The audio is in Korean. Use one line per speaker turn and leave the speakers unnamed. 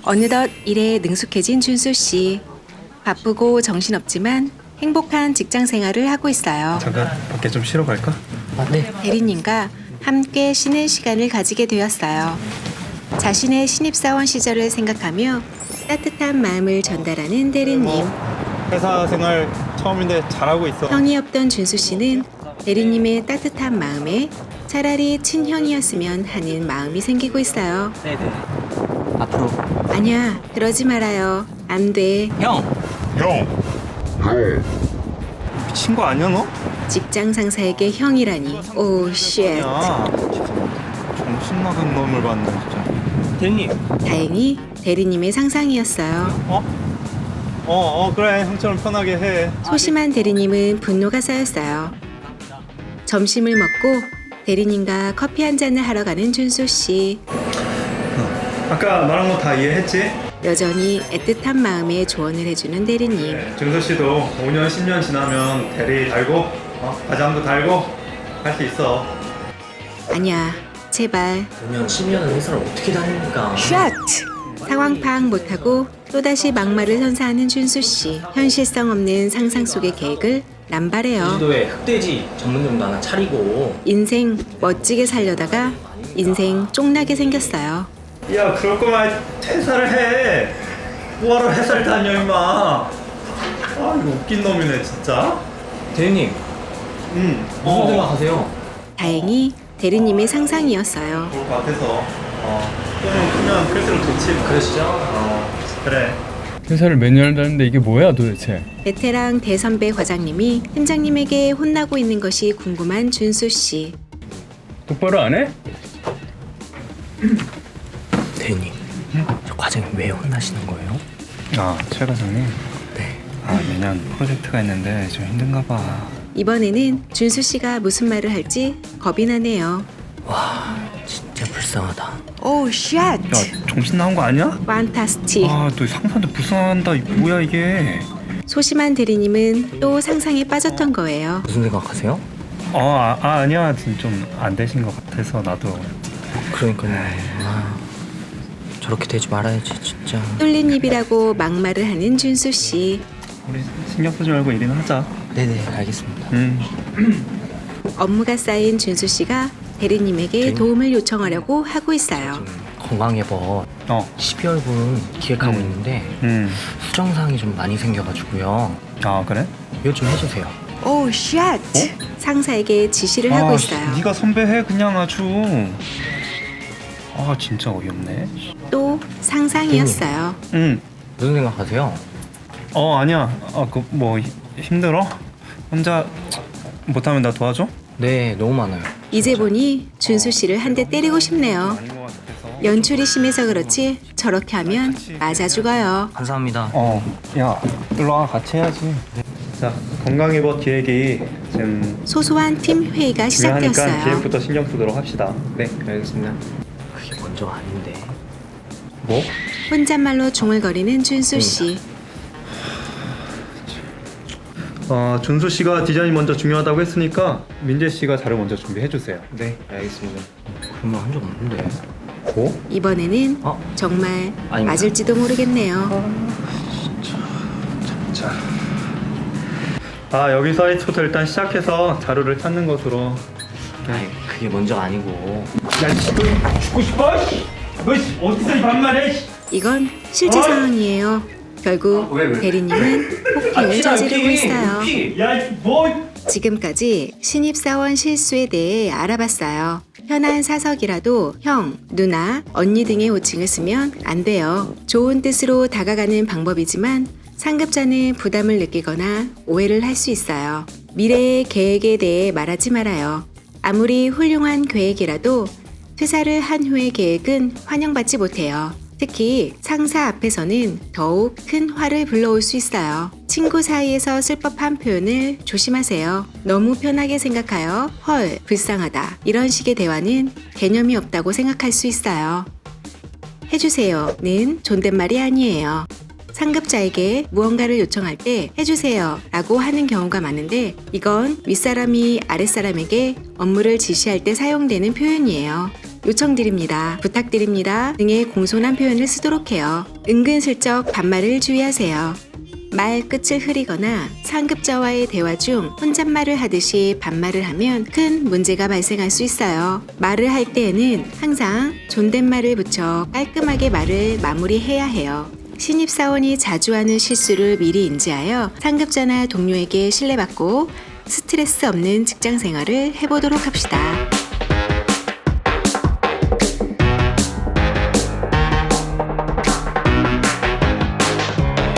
어느덧 일에 능숙해진 준수 씨. 바쁘고 정신없지만 행복한 직장 생활을 하고 있어요.
잠깐 밖에 좀 쉬러 갈까?
네.
대리님과 함께 쉬는 시간을 가지게 되었어요. 자신의 신입사원 시절을 생각하며 따뜻한 마음을 전달하는 대리님.
회사 생활 처음인데 잘하고 있어.
형이 없던 준수 씨는 대리님의 따뜻한 마음에 차라리 친형이었으면 하는 마음이 생기고 있어요.
네네. 앞으로
아니야, 그러지 말아요. 안 돼.
형.
미친 거 아니야 너?
직장 상사에게 형이라니. 오, 쉣.
야, 정신 나간 놈을 봤네 진짜.
대리님.
다행히 대리님의 상상이었어요.
그래 형처럼 편하게 해.
소심한 대리님은 분노가 쌓였어요. 점심을 먹고 대리님과 커피 한 잔을 하러 가는 준수 씨.
아까 말한 거 다 이해했지?
여전히 애틋한 마음에 조언을 해주는 대리님.
준서 씨도 5년 10년 지나면 대리 달고 과장도 달고 할 수 있어.
아니야, 제발.
5년 10년은 회사를 어떻게 다닙니까?
샷! 상황 파악 못하고 또다시 막말을 선사하는 준수 씨. 현실성 없는 상상 속의 계획을 남발해요.
제주도에 흑돼지 전문점도 하나 차리고.
인생 멋지게 살려다가 인생 쫑나게 생겼어요.
야 그럴 거면 퇴사를 해. 뭐하러 회사를 다녀 임마. 아 이거 웃긴 놈이네 진짜.
대리님. 무슨 생각하세요?
다행히 대리님의 상상이었어요.
좋을 것 같아서 꿈은 크면 클수록 좋지 뭐.
그러시죠?
그래.
회사를 매년 다는데 이게 뭐야 도대체?
베테랑 대선배 과장님이 팀장님에게 혼나고 있는 것이 궁금한 준수 씨.
똑바로 안 해?
대리님. 저 과장님 왜 혼나시는 거예요?
최 과장님.
네.
내년 프로젝트가 있는데 좀 힘든가 봐.
이번에는 준수 씨가 무슨 말을 할지 겁이 나네요.
와, 진짜 불쌍하다.
오, 쉣!
야 정신 나온 거 아니야?
판타스틱.
너 상사한테 불쌍한다. 뭐야 이게?
소심한 대리님은 또 상상에 빠졌던 거예요.
무슨 생각하세요?
아니야. 좀 안 되신 것 같아서 나도.
그러니까요. 저렇게 되지 말아야지 진짜.
뚫린 입이라고 막말을 하는 준수 씨.
우리 신경 쓰지 말고 일이나 하자.
네네, 알겠습니다.
업무가 쌓인 준수 씨가 대리님에게 도움을 요청하려고 하고 있어요.
지금 건강예법 12월분 기획하고 있는데 수정사항이 좀 많이 생겨가지고요.
그래?
이거 좀 해주세요.
오, 쉣! 상사에게 지시를 하고 있어요.
네가 선배해 그냥 아주. 진짜 어이없네.
또 상상이었어요.
무슨 생각하세요?
아니야. 뭐 힘들어? 혼자 못하면 나 도와줘?
네, 너무 많아요.
이제 보니 준수 씨를 한 대 때리고 싶네요.
아닌 것 같아서.
연출이 심해서 그렇지 저렇게 하면 맞아 죽어요.
감사합니다.
야, 일로와 같이 해야지. 자, 건강예법 기획이 지금
소소한 팀 회의가
중요하니까
시작되었어요.
기획부터 신경 쓰도록 합시다. 네, 알겠습니다.
그게 먼저 아닌데.
뭐?
혼잣말로 중얼거리는 준수 씨.
준수 씨가 디자인이 먼저 중요하다고 했으니까 민재 씨가 자료 먼저 준비해 주세요.
네, 알겠습니다. 그런 말 한 적 없는데.
뭐?
이번에는 정말
아닙니다.
맞을지도 모르겠네요.
자. 여기 사이트부터 일단 시작해서 자료를 찾는 것으로.
아이, 그게 먼저가 아니고.
야, 죽고 싶어? 너 어디서 이 반말해?
이건 실제 상황이에요. 결국 대리님은 폭행을 저지르고 있어요.
야, 뭐?
지금까지 신입사원 실수에 대해 알아봤어요. 편한 사석이라도 형, 누나, 언니 등의 호칭을 쓰면 안 돼요. 좋은 뜻으로 다가가는 방법이지만 상급자는 부담을 느끼거나 오해를 할 수 있어요. 미래의 계획에 대해 말하지 말아요. 아무리 훌륭한 계획이라도 퇴사를 한 후의 계획은 환영받지 못해요. 특히 상사 앞에서는 더욱 큰 화를 불러올 수 있어요. 친구 사이에서 쓸 법한 표현을 조심하세요. 너무 편하게 생각하여 헐, 불쌍하다 이런 식의 대화는 개념이 없다고 생각할 수 있어요. 해주세요는 존댓말이 아니에요. 상급자에게 무언가를 요청할 때 해주세요 라고 하는 경우가 많은데 이건 윗사람이 아랫사람에게 업무를 지시할 때 사용되는 표현이에요. 요청드립니다, 부탁드립니다 등의 공손한 표현을 쓰도록 해요. 은근슬쩍 반말을 주의하세요. 말 끝을 흐리거나 상급자와의 대화 중 혼잣말을 하듯이 반말을 하면 큰 문제가 발생할 수 있어요. 말을 할 때에는 항상 존댓말을 붙여 깔끔하게 말을 마무리해야 해요. 신입사원이 자주 하는 실수를 미리 인지하여 상급자나 동료에게 신뢰받고 스트레스 없는 직장 생활을 해보도록 합시다.